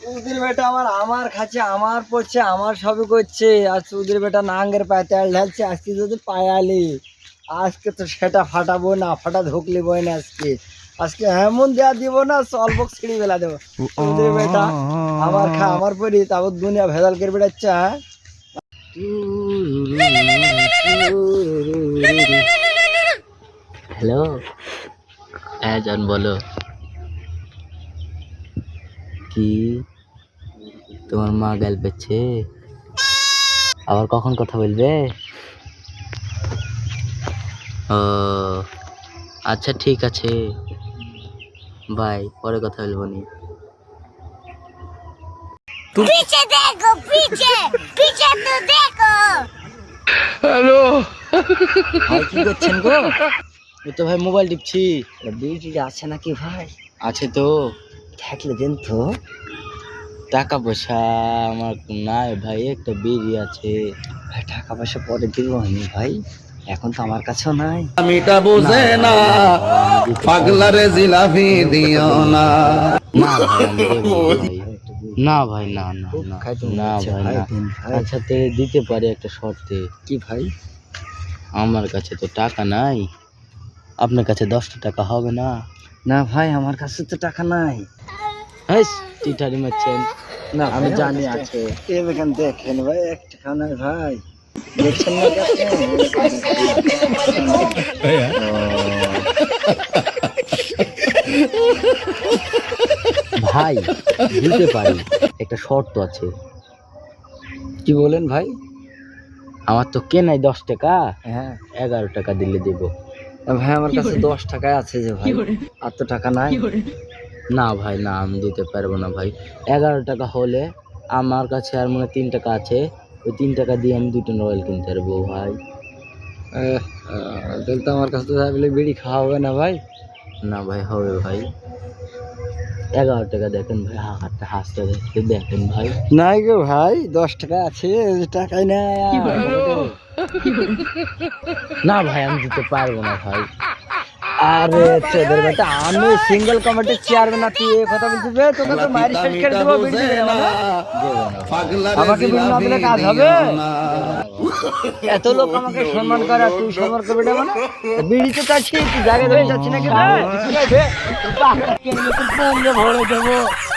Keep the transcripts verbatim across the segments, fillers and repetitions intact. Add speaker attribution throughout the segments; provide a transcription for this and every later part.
Speaker 1: চৌধুরী বেটা আমার আমার খাচ্ছে, আমার পড়ছে, আমার সবই করছে, আর চৌধুরী বেটা নাঙ্গের পায়ে তেল ঢালছে। আজকে যদি পায়ালি, আজকে তো সেটা ফাটাবো না, ফাটা ধুকলি বই না আজকে। আজকে এমন দেওয়া দিব না, সলবক ছিঁড়ি বেলা দেবো। চৌধুরী বেটা আমার খা, আমার পরি, তারপর দুনিয়া ভেজাল করে বেড়াচ্ছে। হ্যাঁ
Speaker 2: হ্যালো, হ্যাঁ জান বলো। কি তোমার মা গাল পেচ্ছে? আবার কখন কথা বলবে? ও আচ্ছা ঠিক আছে, বাই, পরে কথা বলবো নি।
Speaker 3: पीछे देखो, पीछे पीछे तो देखो।
Speaker 2: হ্যালো,
Speaker 1: ভাই কি করছেন গো?
Speaker 2: এই তো ভাই মোবাইল টিপছি।
Speaker 1: বিড়ি আছে নাকি ভাই?
Speaker 2: আছে তো।
Speaker 1: থাকলে দেন তো।
Speaker 2: টাকা পয়সা আমার নাই ভাই, একটা বিড়ি আছে।
Speaker 1: ভাই টাকা পয়সা পরে দিব আমি ভাই, এখন তো আমার কাছেও নাই।
Speaker 4: আমিটা বুঝে না পাগলারে জিলাপি দিও না।
Speaker 2: না ভাই আমি দেবো না ভাই। না ভাই, না না না
Speaker 1: খাইতে
Speaker 2: না
Speaker 1: মনে হচ্ছে
Speaker 2: ভাই
Speaker 1: ভাই,
Speaker 2: না।
Speaker 1: দিন ভাই।
Speaker 2: আচ্ছা তে দিতে পারি একটা শর্তে।
Speaker 1: কি ভাই?
Speaker 2: আমার কাছে তো টাকা নাই, আপনার কাছে দশটা টাকা হবে না?
Speaker 1: না ভাই আমার কাছে তো টাকা নাই।
Speaker 2: হাইস টিটারি মারছেন,
Speaker 1: না
Speaker 2: আমি
Speaker 1: ভাই,
Speaker 2: জানি
Speaker 1: আমার
Speaker 2: আছে।
Speaker 1: এখান দেখেন ভাই, এক টাকা নাই ভাই। দেখছেন না কাছে?
Speaker 2: ভাই দিতে পারি, একটা শর্ত আছে।
Speaker 1: কি বলেন ভাই?
Speaker 2: আমার তো কেনাই দশ টাকা,
Speaker 1: হ্যাঁ
Speaker 2: এগারো টাকা দিলে দেবো।
Speaker 1: ভাই আমার কাছে দশ টাকায় আছে যে ভাই, আর তো টাকা নাই।
Speaker 2: না ভাই না, আমি দিতে পারবো না ভাই। এগারো টাকা হলে আমার কাছে আর মনে হয় তিন টাকা আছে, ওই তিন টাকা দিয়ে আমি দুটো রয়্যাল কিনতে পারবো ভাই।
Speaker 1: আহ, তাহলে তো আমার কাছে তো বলে বিড়ি খাওয়া হবে না ভাই।
Speaker 2: না ভাই হবে ভাই, এগারো টাকা দেখেন ভাই, হাতটা হাসতে দেখতে দেখেন ভাই।
Speaker 1: নাই গো ভাই, দশ টাকা আছে, টাকাই নাই।
Speaker 2: না ভাই আমি দিতে পারবো না ভাই।
Speaker 1: আরে তোদের বেটা, আমি সিঙ্গেল কমিটির চেয়ারম্যান, তুই এই কথা বলছিস বে? তোকে তো মারি শেষ করে দেবো বিড়ি দিবি না মানে? আমাকে বিড়ি না দিলে কাজ হবে? এত লোক আমাকে সম্মান করে, আর তুই সম্মান করবি না মানে? বিড়ি তো চাচ্ছি, তুই জায়গায় ধরে যাচ্ছি নাকি ভাই? ভরে দেবো।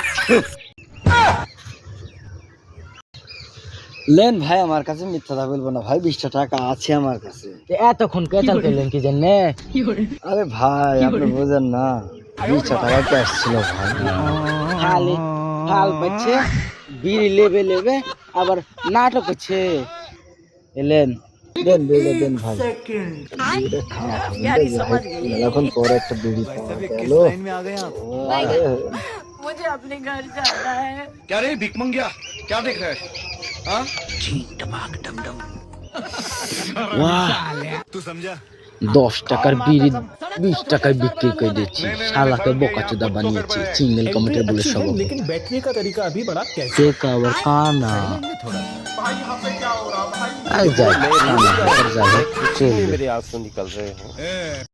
Speaker 1: লেন ভাই, আমার কাছে মিথ্যা কথা বলবো না ভাই, বিশটা টাকা আছে আমার কাছে।
Speaker 2: এতক্ষণ কেচাল করলেন কি জন্যে?
Speaker 1: আরে ভাই আপনি বোঝেন না, বিশটা টাকা ক্যাশ ছিল ভাই।
Speaker 2: খালি ফাল পাচ্ছে, বিড়ি লেবে লেবে আবার নাটক হচ্ছে। এলেন
Speaker 1: দেন বিড়ি দেন ভাই। বিড়িটা খাওয়া হবে ভাই, মেলাক্ষণ পরে একটা বিড়ি পাওয়া গেল। আরে,
Speaker 3: मुझे अपने घर जाना है।
Speaker 4: क्या रे भिख मंगिया, क्या देख रहा है? हाँ? तू समझा?
Speaker 2: দশ টাকার বিড়ি বিশ টাকায় বিক্রি করে দিচ্ছি, শালাকে বোকাচোদা বানিয়েছি সিঙ্গেল কমিটির বলে সব।
Speaker 5: लेकिन बैठने का तरीका अभी बड़ा कैसे
Speaker 2: টেকা আবার কানা আই যাই, কানা, যাই, চলবে।
Speaker 6: मेरे आंसू निकल रहे हैं।